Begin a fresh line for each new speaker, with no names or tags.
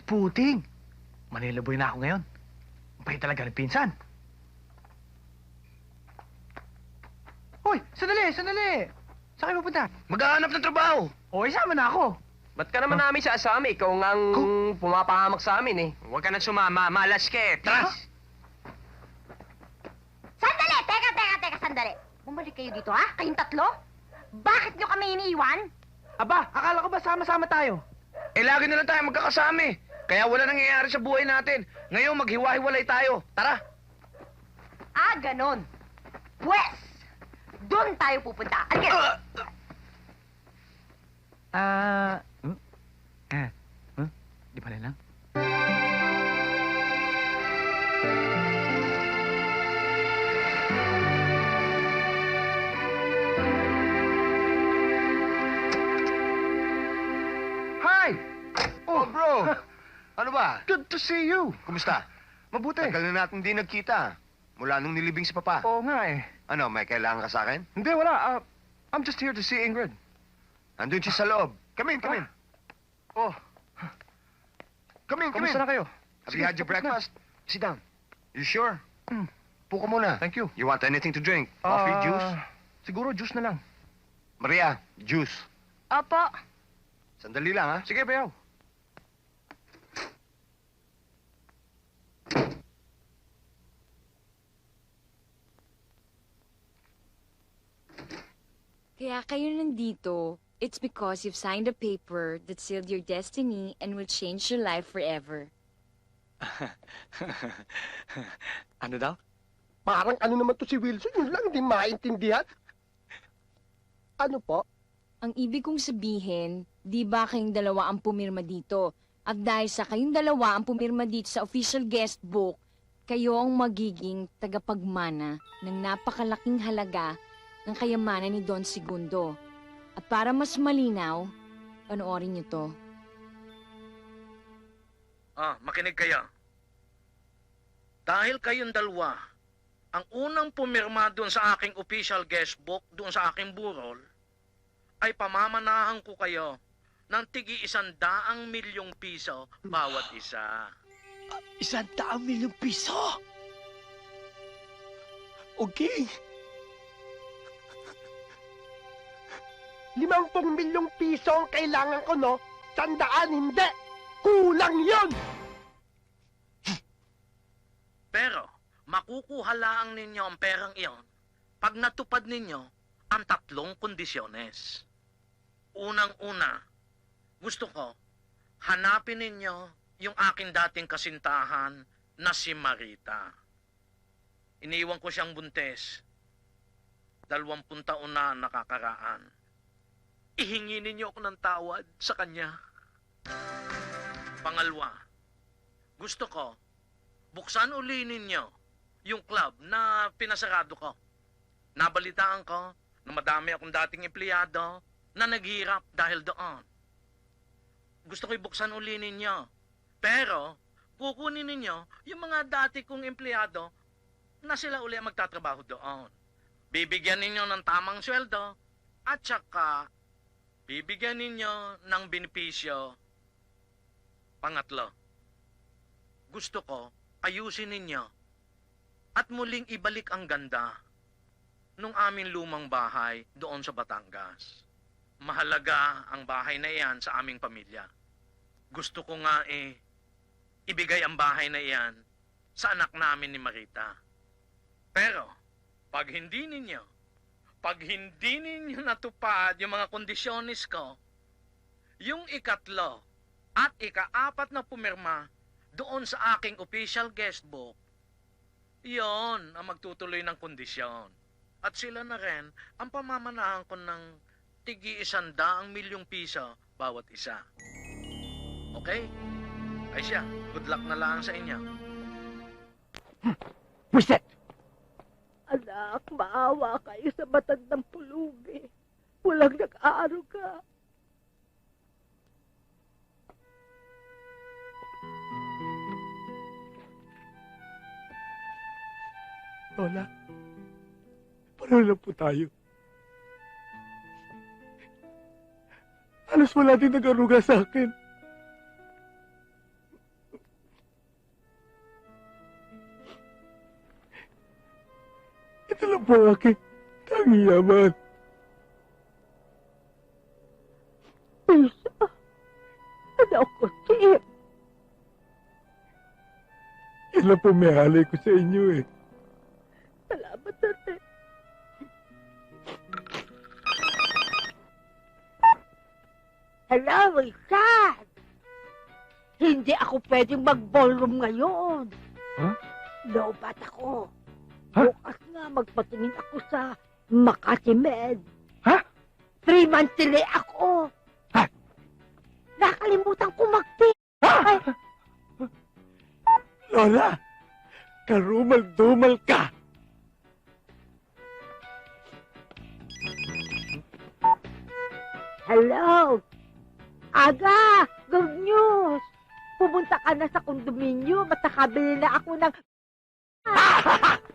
Puting! Manila boy na ako ngayon. Pahit talaga ng pinsan. Hoy, sandali, sandali! Saan kayo pupunta?
Maghahanap ng trabaho.
O, isama na ako.
Ba't ka naman namin sasama? Ikaw ngang pumapahamak sa amin eh.
Huwag ka nang sumama. Malas ka eh. Tara!
Sandali! Teka, sandali. Bumalik kayo dito, ha? Kayong tatlo? Bakit nyo kami iniiwan?
Aba, akala ko ba sama-sama tayo?
Eh, lagi na lang tayo magkakasama eh. Kaya wala nangyayari sa buhay natin. Ngayon, maghiwa-hiwalay tayo. Tara!
Ah, ganon. Pwes, doon tayo pupunta. Alika!
Di pala lang? Hi!
Oh, bro! Ano ba?
Good to see you.
Kumusta?
Mabuti.
Tagal na natin di nagkita. Mula nung nilibing si Papa.
Oo nga eh.
Ano, may kailangan ka sa akin?
Hindi, wala. I'm just here to see Ingrid.
Andun siya sa loob. Come in, come in.
Oh,
Come in, come in.
kamusta na kayo?
Have you had your breakfast? Sit down. You sure? Puko muna.
Thank you.
You want anything to drink? Coffee, juice?
Siguro juice na lang.
Maria, juice.
Opo.
Sandali lang, ha?
Sige, bayaw.
Kaya kayo nandito, it's because you've signed a paper that sealed your destiny and will change your life forever.
Ano daw?
Parang ano naman to si Wilson, yun lang, hindi maintindihan. Ano po?
Ang ibig kong sabihin, di ba kayong dalawa ang pumirma dito? At dahil sa kayong dalawa ang pumirma dito sa official guest book, kayo ang magiging tagapagmana ng napakalaking halaga ng kayamanan ni Don Segundo. At para mas malinaw, panoorin niyo to.
Makinig kayo. Dahil kayong dalawa, ang unang pumirma doon sa aking official guest book, doon sa aking burol, ay pamamanahan ko kayo ng tigi 100 milyong piso bawat isa.
100 milyong piso? Okay.
50 milyong piso ang kailangan ko, no? 100, hindi! Kulang yun!
Pero, makukuha lang ninyo ang perang iyon pag natupad ninyo ang 3 kondisyones. Unang-una, gusto ko, hanapin ninyo yung aking dating kasintahan na si Marita. Iniwan ko siyang buntes. 20 taon na nakakaraan. Ihingi ninyo ako ng tawad sa kanya. Pangalawa, gusto ko, buksan uli ninyo yung club na pinasarado ko. Nabalitaan ko na madami akong dating empleyado na naghirap dahil doon. Gusto ko ibuksan uli ninyo. Pero, kukunin ninyo yung mga dati kong empleyado na sila uli ang magtatrabaho doon. Bibigyan ninyo ng tamang sweldo at saka bibigyan ninyo ng benepisyo. Pangatlo, gusto ko ayusin ninyo at muling ibalik ang ganda nung aming lumang bahay doon sa Batangas. Mahalaga ang bahay na iyan sa aming pamilya. Gusto ko nga ibigay ang bahay na iyan sa anak namin ni Marita. Pero, pag hindi ninyo natupad yung mga kondisyonis ko, yung ikatlo at ika-4 na pumirma doon sa aking official guest book, yon ang magtutuloy ng kondisyon. At sila na rin ang pamamanahan ko ng tigi 100 milyong piso bawat isa. Okay? Ay siya, good luck na lang sa inyo.
Pwisit!
Anak, maawa kayo sa matandang pulubi. Walang nag-aaruga.
Lola, paano lang po tayo? Halos wala din nag-aruga sa akin. lang po ang aking tanging yaman.
Isa. Anak ko, Chip.
Yan lang po may halay ko sa inyo eh.
Salamat, ate. Hello, Richard. Hindi ako pwedeng mag-ballroom ngayon.
Ha?
Lobat ako.
Ha?
Bukas nga magpatingin ako sa Makati Med.
Ha?
3 months delay ako.
Ha?
Nakalimutan ko mag-pay. Ay,
Lola, karumal-dumal ka.
hello. Aga, good news. Pumunta ka na sa kondominyo at nakabili na ako ng...